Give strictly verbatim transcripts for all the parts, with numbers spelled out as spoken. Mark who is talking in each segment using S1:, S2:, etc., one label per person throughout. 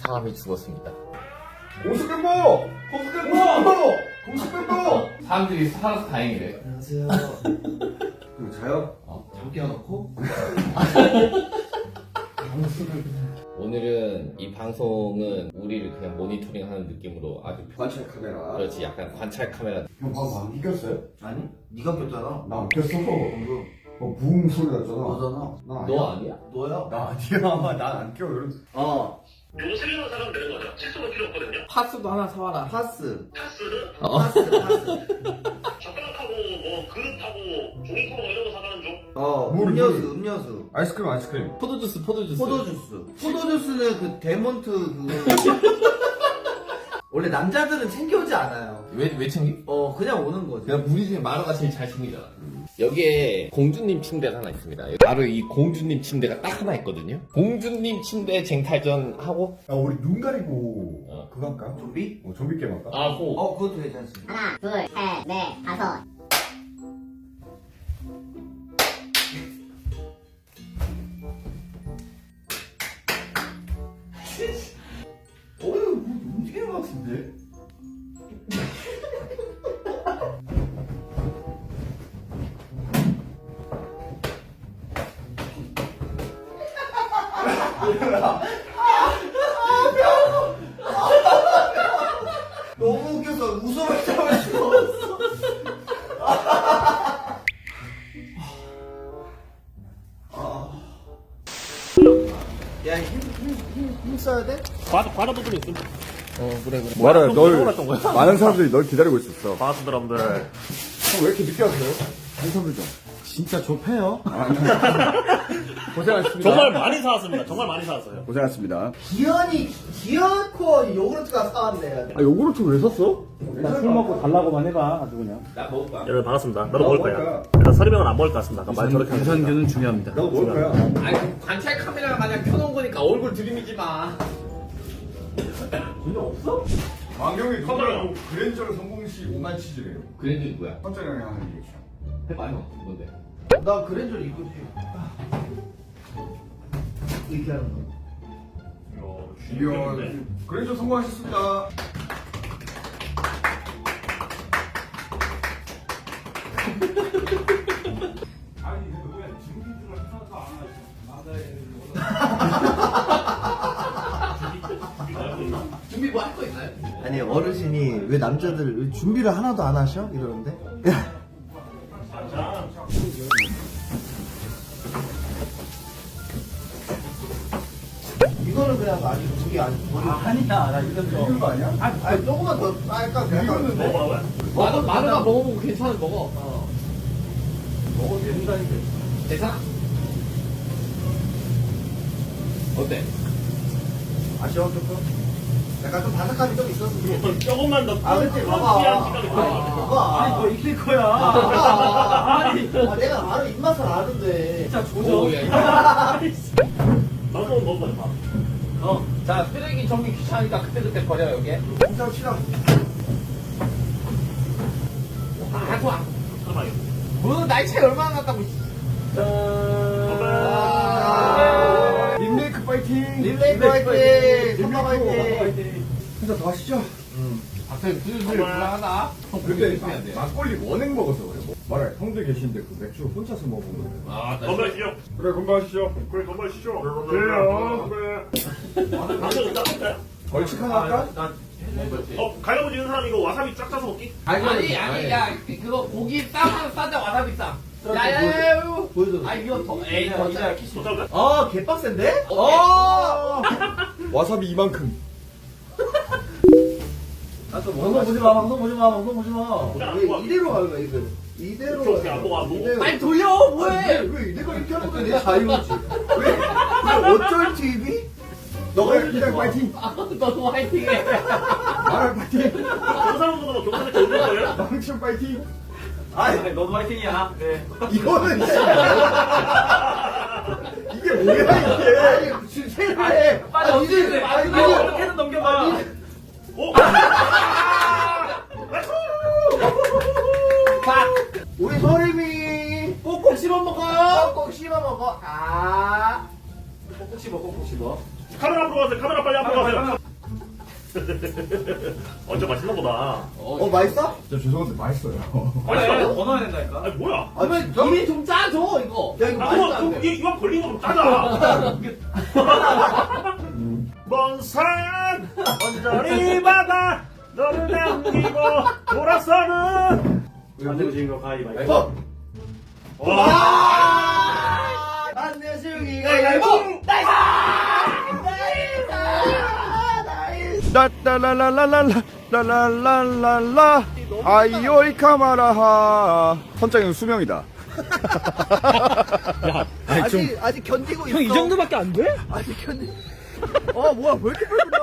S1: 사람이 죽었습니다.
S2: 공식 멤버! 공식 멤버! 공식 멤버!
S1: 사람들이 살아서 다행이래.
S3: 안녕하세요.
S2: 그리고 자요?
S1: 어.
S3: 잠 깨워놓고
S1: 오늘은 이 방송은 우리를 그냥 모니터링하는 느낌으로 아주
S2: 관찰 카메라.
S1: 그렇지 약간 관찰 카메라.
S2: 형 방금 안 이겼어요?
S3: 아니 네가 꼈잖아.
S2: 나 안 꼈어.
S3: 방금
S2: 어, 붕 소리 났잖아.
S3: 너잖아.
S2: 나
S1: 너 아니야?
S3: 너야.
S2: 나 아니야. 난 안 껴. 이런.
S3: 어
S4: 요거 세 개만 사면 되는 거죠. 칫솔은 필요 없거든요.
S1: 파스도 하나 사와라.
S3: 파스
S4: 타스는
S1: 어.
S3: 파스 파스.
S4: 젓가락하고 뭐 그릇하고 종이컵 이런 거 사가는 중.
S3: 어
S2: 물,
S3: 음료수
S2: 물.
S3: 음료수.
S2: 아이스크림, 아이스크림.
S1: 포도주스 포도주스.
S3: 포도주스. 포도주스는 그 데몬트 그거. 원래 남자들은 챙겨오지 않아요.
S1: 왜, 왜 챙기?
S3: 어 그냥 오는 거지.
S1: 그냥 우리 중에 마루가 제일 잘 챙기잖아. 여기에 공주님 침대가 하나 있습니다. 바로 이 공주님 침대가 딱 하나 있거든요. 공주님 침대 쟁탈전 하고.
S2: 야, 우리 눈 가리고
S1: 어.
S2: 그거 할까?
S3: 좀비?
S2: 어, 좀비 게임 할까?
S1: 아, 호.
S3: 어 그것도 괜찮습니다.
S5: 하나, 둘, 셋, 넷, 다섯.
S3: 어휴 뭐 움직이는 것 같은데? 너무 웃겨서 웃음을 참을 수가 없어. 야, 힘, 힘, 힘, 힘 써야 돼?
S6: 과도 과도 부분이 있음.
S2: 말해,
S6: 널
S2: 많은 사람들이 널 기다리고 있었어.
S6: 과수 사람들.
S2: 형, 왜 이렇게 늦게 왔어요? 한선들 좀.
S3: 진짜 좁해요.
S2: 고생하셨습니다.
S6: 정말 많이 사왔습니다. 정말 많이 사왔어요.
S2: 고생하셨습니다.
S3: 기현이, 기현코 요구르트가 사왔네.
S2: 아, 요구르트 왜 샀어?
S7: 일단 술 먹고 달라고만 해봐 아주 그냥.
S1: 나 먹을까?
S6: 여러분 반갑습니다. 나도
S2: 나도
S6: 먹을
S2: 먹을
S6: 거야.
S2: 거야.
S6: 일단 서리병은 안 먹을 것 같습니다. 아까 말 저렇게 하니까.
S7: 유산균은 중요합니다.
S2: 나도 먹을 거야.
S1: 아니, 관찰 카메라가 마냥 켜놓은 거니까 얼굴 들이미지 마.
S2: 전혀 없어? 왕경이 누구랑 그랜저를 성공 시 오만 치즈래요.
S1: 그랜드 뭐야?
S2: 선전형이 하는 얘기죠.
S1: 해봐, 형. 뭔데?
S3: 나 그랜저를 입고 싶어. 이렇게 하는 거.
S2: 이야, 그랜저 성공하셨습니다.
S1: 준비 뭐 할 거 있나요?
S3: 아니, 어르신이 왜 남자들 왜 준비를 하나도 안 하셔? 이러는데. 이거는 그냥 아직 저기 아직 아, 아니야 나 이건 좀
S2: 이거 아니야?
S3: 아니, 아니 조금만 더 아, 약간
S2: 이거는 뭐?
S6: 먹어봐요.
S1: 마루, 마루가 먹어보고 괜찮은 먹어.
S3: 어.
S2: 먹어도 된다니까.
S1: 대사? 어때?
S3: 아쉬워 조금 약간 좀 바삭함이 좀 있었어.
S6: 조금만 더
S3: 아 그치
S6: 크런치한
S3: 봐봐
S6: 식감이
S3: 아,
S6: 들어요.
S3: 봐봐
S7: 아니 뭐 익힐 거야.
S3: 아, 아, 내가 바로 입맛을 아는데
S7: 진짜
S1: 오,
S7: 조져.
S1: 야, 야.
S6: 나도 먹어봐요. 밥.
S1: 어, 자, 쓰레기 정리 귀찮으니까 그때그때 버려, 여기.
S3: 공장 치랑
S1: 아, 좋아.
S6: 잠깐만요.
S1: 뭐, 나이 차이 얼마나 났다고.
S3: 아,
S2: 림메이크 파이팅!
S3: 릴레이 파이팅 선바 파이팅
S2: 혼자 더 하시죠.
S1: 갑자기 슬슬 불안하다. 형,
S2: 근데
S1: 그렇게 해야 돼.
S2: 막걸리 원액 먹어서 그래. 뭐. 말해, 형들 계신데 그 맥주 혼자서 먹은 거예요.
S1: 아, 나
S6: 건강하시죠.
S2: 그래, 건강하시죠.
S6: 그래 건강하시죠.
S2: 그래요.
S6: 그래. 방송 일단 할까요?
S2: 벌칙 하나 할까?
S6: 어 갈라고 지는 사람 이거 와사비 쫙 짜서 먹기?
S1: 아니, 아니, 야, 그거 고기 싸면 싸자, 와사비 싸. 야, 야, 야, 야, 이거.
S3: 보여줘
S1: 아, 이거 더, 에이, 더 짜.
S6: 어떨까요?
S3: 아 개빡센데? 어
S2: 와사비 이만큼.
S3: 아또 방송 보지 마 방송 보지 마 방송 보지 마
S6: 그래, 안
S3: 왜
S6: 보아.
S3: 이대로 가는 거야 이거 이대로
S6: 오케이, 오케이, 안 보고, 안 보고.
S3: 이대로.
S1: 아니, 돌려,
S3: 왜,
S1: 뭐해?
S3: 왜 내가 이렇게 하는 거야 내 자유지 왜? 왜 어쩔 티비?
S2: 너가 그냥 파이팅!
S1: 아, 너도 화이팅해.
S2: 말할 파이팅!
S6: 경상도보다 경상도 더 올릴 거예요?
S2: 망치형 파이팅!
S3: 아니
S7: 너도 화이팅이야. 네.
S2: 이거는 이게 뭐야 이게?
S3: 아니 주세요
S1: 빨리 언제
S3: 아니
S1: 이거
S7: 어떻게든 넘겨봐.
S6: 오!
S1: 자,
S3: 우리 소림이
S1: 꼭꼭 씹어 먹어요.
S3: 꼭꼭 씹어 먹어 아 꼭꼭 씹어 꼭꼭 씹어
S6: 카메라 앞으로 가세요. 카메라 빨리 앞으로 가세요. 어째 맛있나 보다.
S3: 어 맛있어?
S2: 진짜 죄송한데 맛있어요.
S6: 맛있어요?
S7: 더 넣어야 된다니까.
S6: 아니 뭐야?
S3: 아 진짜?
S1: 이미 좀 짜줘 이거.
S3: 야 이거
S6: 아,
S3: 맛있어
S6: 그거,
S3: 안
S6: 그거,
S3: 돼?
S6: 이거 걸린 거좀 짜자. 먼 산, 언저리 바다, 너를 남기고 돌아서는.
S7: 안 되고 지금 거 가위바위보.
S3: 어?
S6: 와.
S3: 안내승이가 가위바위보!
S2: 라라라라라라 라라라라라 아이오이 카마라하. 선장님 수명이다.
S3: 아직 아직 견디고 있어.
S7: 형 이 정도밖에 안 돼?
S3: 아직 견디. 어 뭐야 왜 이렇게 빨구나?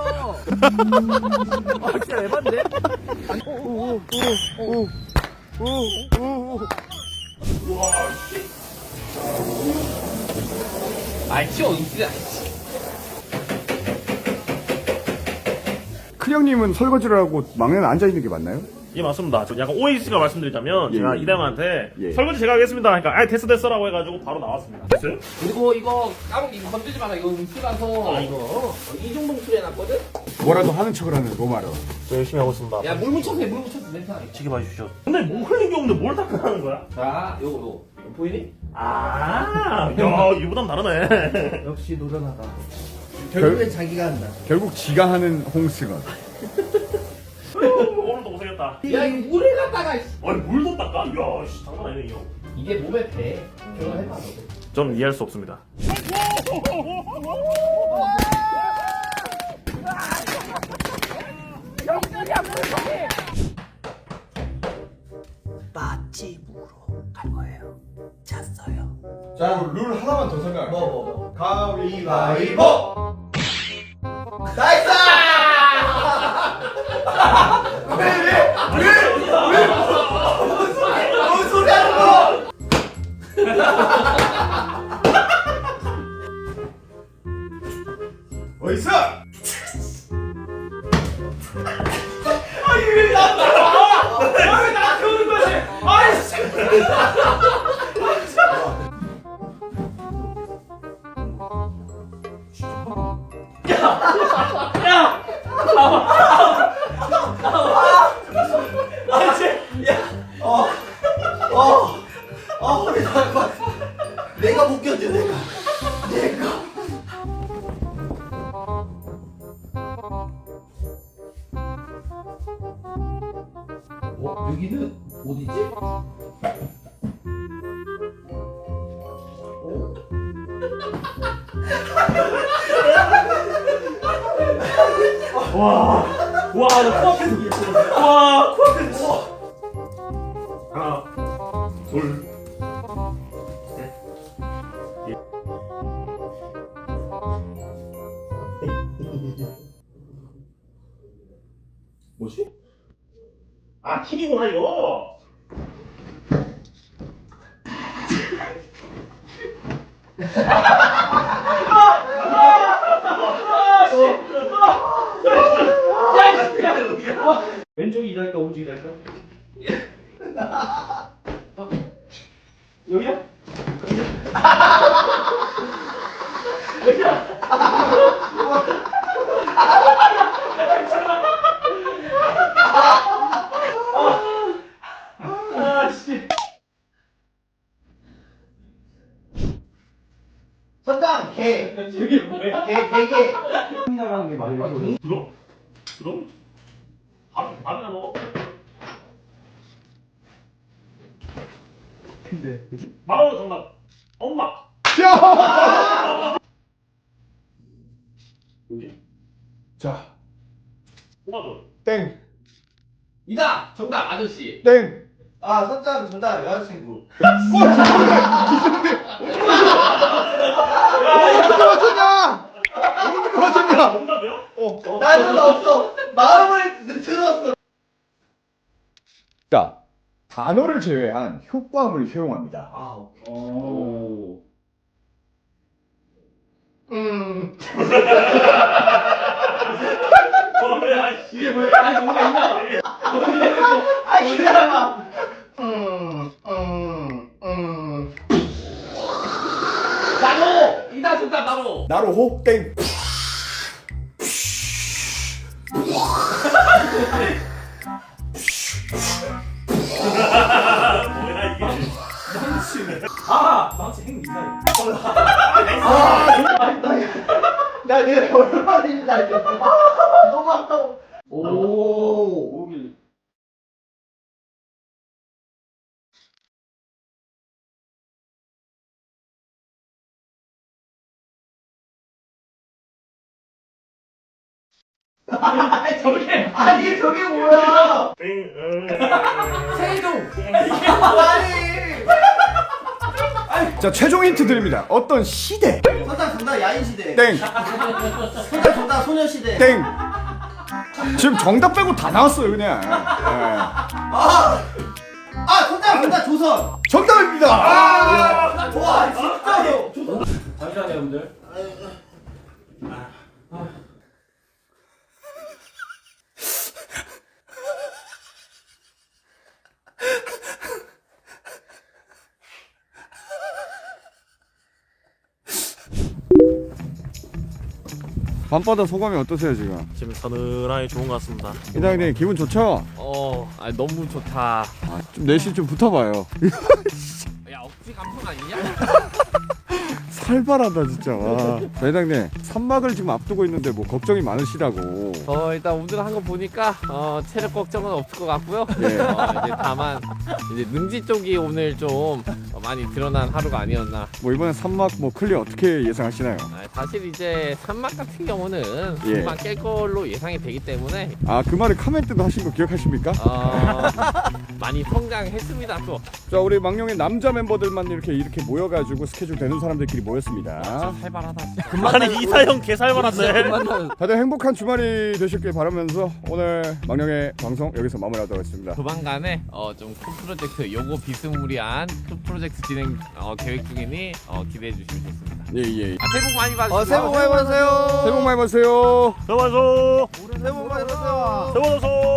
S3: 아 진짜 에반데?
S1: 아이 치워 이씨야.
S2: 큰 형님은 설거지를 하고 막내는 앉아 있는 게 맞나요?
S6: 예 맞습니다. 저 약간 오해지가 말씀드리자면
S2: 예,
S6: 제가
S2: 예.
S6: 이대형한테
S2: 예.
S6: 설거지 제가 하겠습니다. 그러니까 아 됐어 됐어라고 해가지고 바로 나왔습니다. 됐어요?
S1: 그리고 이거 까먹 이거 건들지 마라. 이거 음수라서.
S6: 아 이거
S1: 이종동 수리 해놨거든.
S2: 뭐라도 하는 척을 하는 로마로.
S6: 저 열심히 하고 있습니다.
S1: 야 물 묻혀서 해. 물 묻혀서 냄새 나게.
S6: 지게 봐주시죠. 근데 뭐 흘린 게 없는데 뭘 닦아하는 거야?
S1: 자 요거 요거 이거 보이니?
S6: 아, 야 이보단 다르네.
S3: 역시 노련하다. 결국엔 자기가 한다.
S2: 결국 지가 하는 홍승헌.
S6: 오늘도 고생했다.
S1: 야 이거 물을 갖다가.
S6: 아니 물도 닦아? 이야 씨, 장난 아니네 이거.
S1: 이게 몸에 배. 결혼해봐 너.
S6: 전 이해할 수 없습니다.
S3: 맛집으로 갈 거예요. 잤어요.
S2: 자, 룰 하나만 더 설명할게요.
S3: 뭐 뭐 뭐.
S2: 가위바위보!
S3: 나이스! 뭔 소리 하는 거?
S2: 어딨어?
S3: 어, 어, 허리 나갈 것 같아. 내가 못 견뎌, 내가. 내가.
S1: 어 여기는 어디지?
S6: 와, 와, 나 코앞에서 이겼어. 와, 코앞에서. 하나, 둘, 셋. 뭐지? 아, 튀기구나 이거.
S7: 왼쪽이 이달까 오른쪽이 이달까? 여기야?
S3: 선장, 개.
S7: 여기 뭐야?
S3: 개, 개, 개.
S7: 나가는 게 말이야.
S6: 그럼? 그럼? 밥, 밥이나 먹어.
S7: 근데
S6: 바로 정답. 엄마. 뭐지?
S2: 자,
S6: 엄마도.
S2: 땡,
S1: 이다 정답 아저씨.
S2: 땡.
S3: 아, 선장, 정답, 여자친구.
S2: 어떻게 맞췄냐? 어떻게 맞췄냐?
S6: 정답이요?
S2: 어.
S3: 나는 없어. 마음을 들었어.
S2: 자, 단어를 제외한 효과음을 사용합니다.
S3: 아, 오케이.
S7: 오.
S3: 음.
S6: 어, 야, 씨.
S7: 이게 뭐야? 아니 뭔가 있나?
S3: 아, 이 사람아. 음, 음, 음.
S1: 나로 이다 정답 나로.
S2: 나로 호, 땡.
S6: 뭐야 이게?
S7: 아 망치 행 미사일.
S3: 나 내가 얼마나 이거 너무 아까워.
S7: 오. 오길.
S3: 아니 저게 아니 저게 뭐야?
S7: 세종.
S3: 아니
S2: 자 최종 힌트 드립니다. 어떤 시대
S3: 선장 정답 야인 시대.
S2: 땡
S3: 선장 정답 소녀 시대.
S2: 땡. 지금 정답 빼고 다 나왔어요 그냥. 예.
S3: 아, 아 선장 정답 조선.
S2: 정답입니다. 아!
S3: 와 진짜요.
S7: 잠시만요 여러분들.
S2: 밤바다 소감이 어떠세요 지금?
S6: 지금 서늘하게 좋은 것 같습니다.
S2: 이장님 기분 좋죠?
S1: 어, 아 너무 좋다.
S2: 아, 좀 내심 좀 붙어봐요.
S1: 야, 억지 감성 아니냐?
S2: 살벌하다 진짜. 와. 자, 이장님 산막을 지금 앞두고 있는데 뭐 걱정이 많으시다고.
S1: 어, 일단 오늘 한 거 보니까 어, 체력 걱정은 없을 것 같고요.
S2: 예.
S1: 어, 이제 다만 이제 능지 쪽이 오늘 좀 어, 많이 드러난 하루가 아니었나.
S2: 뭐 이번에 산막 뭐 클리어 어떻게 예상하시나요?
S1: 아, 사실 이제 산막 같은 경우는
S2: 예.
S1: 금방 깰 걸로 예상이 되기 때문에
S2: 아 그 말을 카멘트도 하신 거 기억하십니까?
S1: 어, 많이 성장했습니다 또.
S2: 자 우리 망령의 남자 멤버들만 이렇게 이렇게 모여가지고 스케줄 되는 사람들끼리 모였습니다.
S1: 살벌하다 진짜.
S6: 아니 이사형 개살벌한데.
S2: 다들 행복한 주말이 되셨길 바라면서 오늘 망령의 방송 여기서 마무리하도록 하겠습니다.
S1: 조만간에 어, 좀 큰 프로젝트 요거 비스무리한 큰 프로젝트 진행 어, 계획 중이니 어, 기대해 주시면 좋습니다.
S2: 예예.
S1: 아, 새해 복 많이 받으시고.
S3: 어 새해 복 많이 받으세요.
S2: 새해 복 많이 받으세요.
S6: 들어가서.
S3: 새해 복 많이 받으세요.
S6: 들어가서.